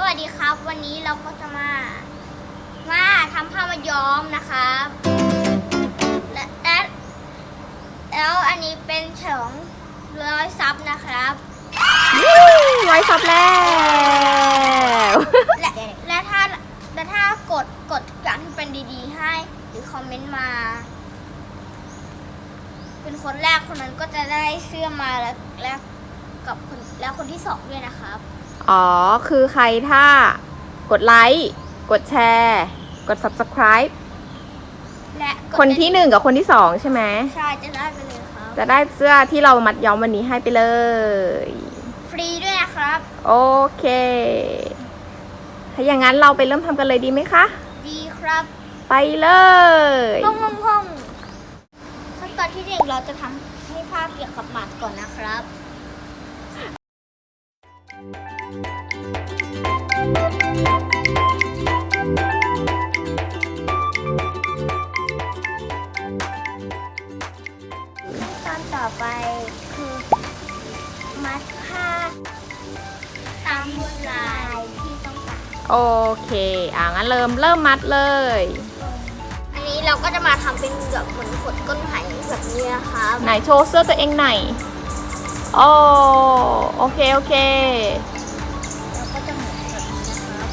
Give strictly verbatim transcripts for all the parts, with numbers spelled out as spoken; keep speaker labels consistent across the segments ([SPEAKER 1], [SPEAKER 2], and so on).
[SPEAKER 1] วัสดีครับวันนี้เราก็จะมามาทำผ้ามาย้อมนะครับและและแล้วอันนี้เป็นฉลองร้อยซับนะครับ
[SPEAKER 2] ร้อยซับแล้ว
[SPEAKER 1] และและถ้าและถ้ากดกดทุกอย่างที่เป็นดีๆให้หรือคอมเมนต์มา เป็นคนแรกคนนั้นก็จะได้เสื้อมาแล้วและกับคนแล้วคนที่สองด้วยนะครับ
[SPEAKER 2] อ๋อคือใครถ้ากดไลค์กดแชร์กด ซับสไครบ์
[SPEAKER 1] และ
[SPEAKER 2] คนที่หนึ่งกับคนที่สองใช่ไหม
[SPEAKER 1] ใช่จะได้ไปเลยครับ
[SPEAKER 2] จะได้เสื้อที่เรามัดย้อมวันนี้ให้ไปเลย
[SPEAKER 1] ฟรีด้วยนะครับ
[SPEAKER 2] โอเคถ้าอย่างนั้นเราไปเริ่มทำกันเลยดีไหมคะ
[SPEAKER 1] ดีครับ
[SPEAKER 2] ไปเลย
[SPEAKER 1] ห้องห้องห้องขั้นตอนที่หนึ่งเราจะทำให้ผ้าเปียกกับหมัดก่อนนะครับขั้นตอนต่อไปคือมัดผ้าตามลวดลายที่ต้องการ
[SPEAKER 2] โอเคอ่ะงั้นเริ่มเริ่มมัดเลย
[SPEAKER 1] อันนี้เราก็จะมาทำเป็นแบบเหมือนขดก้นไหแบบนี้นะครับ
[SPEAKER 2] ไหนโชว์เสื้อตัวเองหน่อยโอ้โอเคโอเค
[SPEAKER 1] เราก็จะเหมือนแบบนี้นะครับ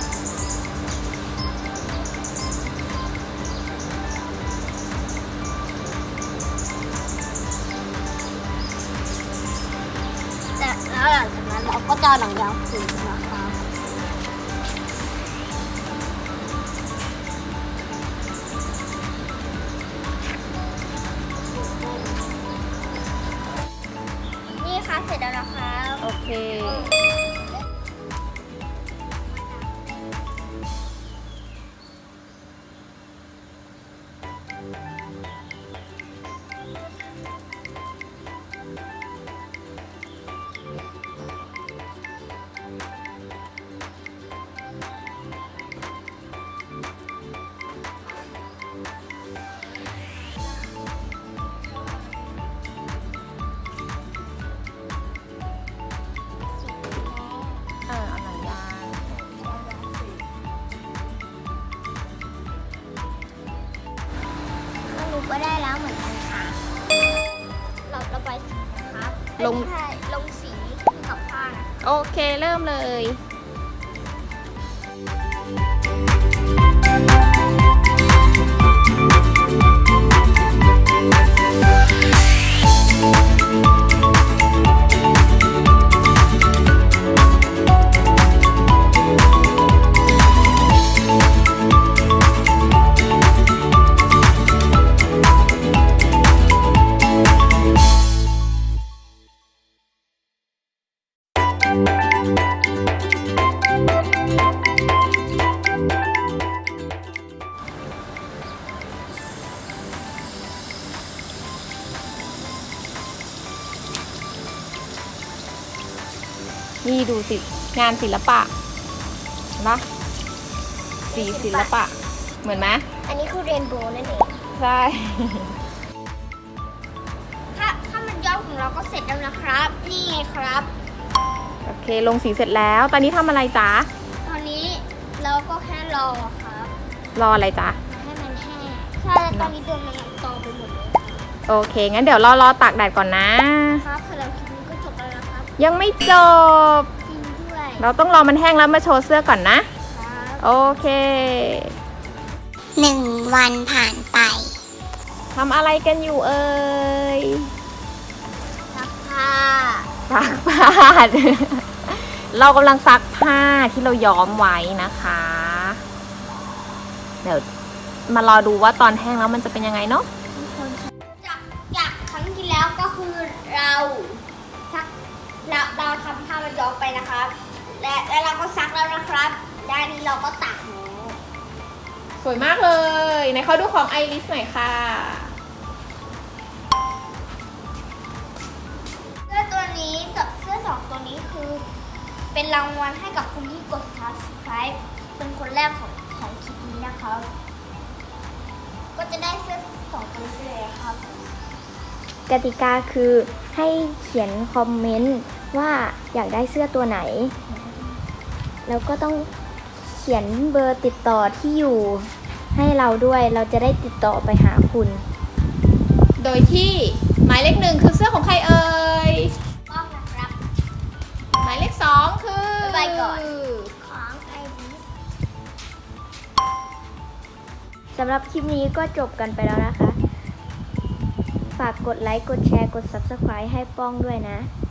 [SPEAKER 1] แต่แล้วหลังจากนั้นเราก็จะหนังยางขึงนะคะนี่ค่ะเสร็จแล้วนะคะ
[SPEAKER 2] โอเค
[SPEAKER 1] ก็ได้แล้วเหมือนกันค่ะเราระบายสีนะครับ
[SPEAKER 2] ลง
[SPEAKER 1] ลงสีกับผ้านะ
[SPEAKER 2] โอเคเริ่มเลยนี่ดูสิงานศิลปะนะสีศิลปะเหมือนไหม
[SPEAKER 1] อันนี้คือเรนโบว์นั่นเอง
[SPEAKER 2] ใช่
[SPEAKER 1] ถ้าถ้ามันย้อมของเราก็เสร็จแล้วนะครับนี่ไงครับ
[SPEAKER 2] โอเคลงสีเสร็จแล้วตอนนี้ทำอะไรจ๊ะ
[SPEAKER 1] ตอนนี้เราก็แค่รอครับ
[SPEAKER 2] รออะไรจ๊ะ
[SPEAKER 1] ให้มันแห้งใช่ตอนนี้ตัวมันตอไปหมดเลย
[SPEAKER 2] โอเคงั้นเดี๋ยวรอรอตากแดดก่อนนะครับ
[SPEAKER 1] สำหรับคลิปนี้ก็จบแล้วนะครับ
[SPEAKER 2] ยังไม่จบ
[SPEAKER 1] จริงด้วย
[SPEAKER 2] เราต้องรอมันแห้งแล้วมาโชว์เสื้อก่อนนะโอเค
[SPEAKER 1] หนึ่งวันผ่านไป
[SPEAKER 2] ทำอะไรกันอยู่เอ่ย
[SPEAKER 1] ซักผ้า
[SPEAKER 2] ซักผ้าเรากำลังซักผ้าที่เราย้อมไว้นะคะเดี๋ยวมารอดูว่าตอนแห้งแล้วมันจะเป็นยังไงเนาะ
[SPEAKER 1] จากจากครั้งที่แล้วก็คือเราซักเราเราทำผ้ามันย้อมไปนะครับและและเราก็ซักแล้วนะครับด้านนี้เราก็ตากแล้ว
[SPEAKER 2] สวยมากเลยในเขาดูของไอริสหน่อยค่ะ
[SPEAKER 1] เสื้อตัวนี้เสื้อสองตัวนี้คือเป็นรางวัลให้กับคนที่กด ซับสไครบ์ เป็นคนแรกของของคลิปนี้นะครับก็จะได้เสื้อสองตัวนี้เลยครับ
[SPEAKER 3] กติกาคือให้เขียนคอมเมนต์ว่าอยากได้เสื้อตัวไหนแล้วก็ต้องเขียนเบอร์ติดต่อที่อยู่ให้เราด้วยเราจะได้ติดต่อไปหาคุณ
[SPEAKER 2] โดยที่หมายเลขหนึ่งคือเสื้อของใครเอ่ย
[SPEAKER 1] ต้องนะครับ
[SPEAKER 2] หมายเลขสองคือ
[SPEAKER 1] บ๊ายบายก่อน ของไอริส
[SPEAKER 3] สำหรับคลิปนี้ก็จบกันไปแล้วนะคะ ฝากกดไลค์ กดแชร์ กด ซับสไครบ์ ให้ป้องด้วยนะ